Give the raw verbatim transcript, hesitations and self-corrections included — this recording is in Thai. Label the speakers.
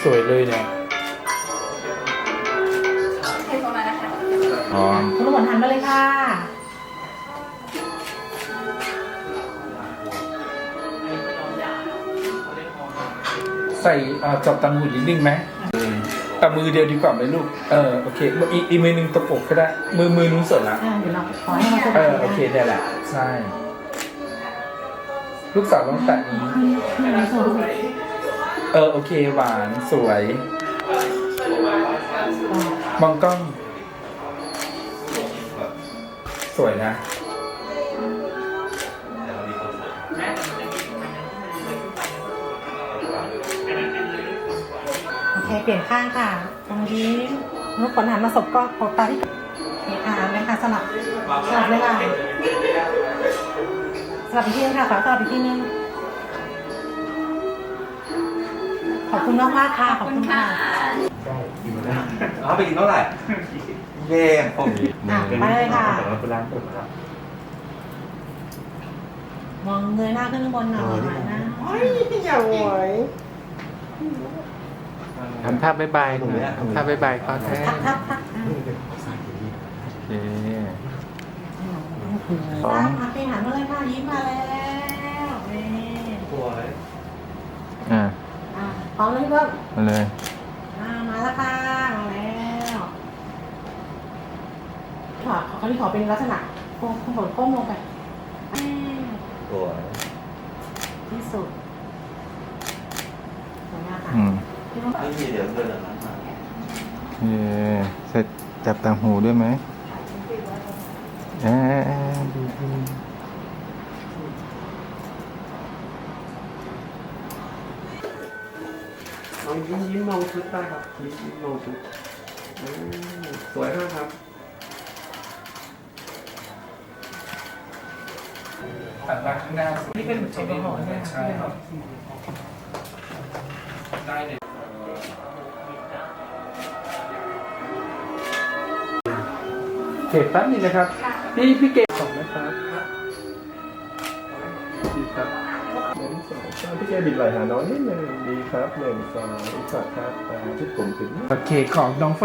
Speaker 1: สวยเลยเนี่ย
Speaker 2: เทประมาณนะคะ
Speaker 1: อ๋อ
Speaker 3: คุณลูกหมอนหันมาเลยค่ะ
Speaker 1: ใส่อ่าจับตังหูนิดนึงไหมแต่มือเดียวดีกว่าไหมลูกเออโอเคอีกอีกมือนึงตะปบก็ได้มือมือนู้นเสร็จละ
Speaker 3: อ่าเดี๋ยวเราขอให้เขาส
Speaker 1: เอบ
Speaker 3: าย
Speaker 1: อโอเคได้แหละใช่ลูกสาวลองแตะนี้
Speaker 3: ไม่ไม่สวย
Speaker 1: เออโอเคหวานสวยมองกล้อง สวยนะ
Speaker 3: โอเคเปลี่ยนข้างค่ะตรงนี้ลูกขนหันมาสบก็โคตาที่เอกอ่านเลยค่ะสลับสลับเลยค่ะสลับอีกทีนึงค่ะขอสลับอีกทีนึงขอบคุณมากมากๆค่ะขอบคุณค่ะ
Speaker 4: เอาไปกินเท่าไหร่เย่ผม
Speaker 3: อ่ะไปเลยค่ะ
Speaker 4: เป็นร้านผมแล้ว
Speaker 3: มองเงยหน้าขึ้นข้างบนหน่อยนะ
Speaker 5: ทำท่าบ๊ายบายหน่อยทำท่าบ๊ายบายก็แท้
Speaker 3: ทักทักทักอ่ะ
Speaker 5: โอเค
Speaker 3: สองอ่ะไปหันมาเลยค่ะยิ้มมาแล้วนี่
Speaker 4: ตัวเลย
Speaker 5: อ่า
Speaker 3: อ่ะพร้อมเลยเพิ่ม
Speaker 5: มาเลย
Speaker 3: อ่ามาแล้วค่ะมาแล้วขอเขาที่ขอเป็นลักษณะโค้งโค้งโค้งลงไปอ่า
Speaker 4: ตัว
Speaker 3: ที่สุดสวยงามค่ะ
Speaker 5: อืม
Speaker 3: ที่ต้อง
Speaker 4: ไม่มีเดี๋ยวเดินหลังนั้นมา
Speaker 5: เย่เสร็จจับต่างหูด้วยไหมเอ๊ะดีดี
Speaker 6: ลองยิ้มยิ้มมองชุดได้ครับยิ้มยิ้มมองชุดอืมสวยมากครับ
Speaker 1: หันมาข้างหน้านี่เป็นเทคนิคใช่ครับได้เลยเก็บแป๊บนึงนะครับพี่พี่เก็บ
Speaker 6: ขอบนะครับดีครับหนึ่งสองสามพี่แกบิดไหล่หาน้องนิดนึงดีครับหนึ่งสองอีกสักครับอ่าชุดผมถึง
Speaker 1: โอเคของน้องฝน